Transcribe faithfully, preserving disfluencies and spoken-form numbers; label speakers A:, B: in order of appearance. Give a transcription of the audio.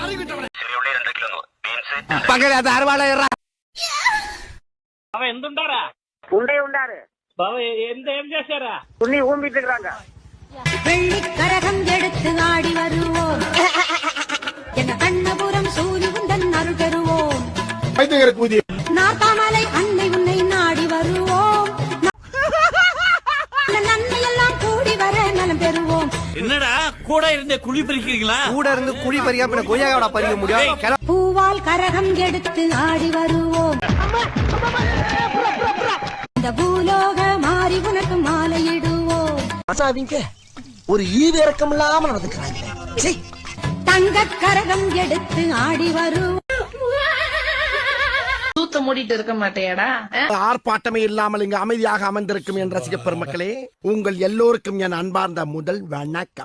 A: పక్కన అరవాడ
B: அவன் எந்த உண்டாரா
C: ఉండే ఉండారు
B: బాబా எந்த ఏం చేశారా
C: உன்னி ஊம்பிட்டு இருக்காங்க
D: வெள்ளி கரகம் எடுத்து ஆடி வருவோம் என கண்ணபுரம் சூரி உந்தன் அருள் பெறுவோம் நாத்தாமலை அன்னை உன்னை நாடி வருவோம் நன்மை எல்லாம் கூடி வர நலம் பெறுவோம்.
B: என்னடா கூட இருந்தே குழி பறிக்கிறீங்களா?
A: கூட இருந்து குழி பறிக்காம கொய்யாவோட பறிக்க முடியும்.
D: பூவால் கரகம் எடுத்து ஆடி வருவோம். இந்த பூலோக மாறி உனக்கு மாலையிடுவோம்.
A: ஒரு ஈவிரக்கம் இல்லாம நடந்துக்கிறாங்க.
D: தங்க கரகம் எடுத்து ஆடி வருவோம்.
E: தூத்த மூடிட்டு இருக்க மாட்டேடா.
A: ஆர்ப்பாட்டமே இல்லாமல் இங்கு அமைதியாக அமர்ந்திருக்கும் என் ரசிக பெருமக்களே, உங்கள் எல்லோருக்கும் என் அன்பார்ந்த முதல் வணக்கம்.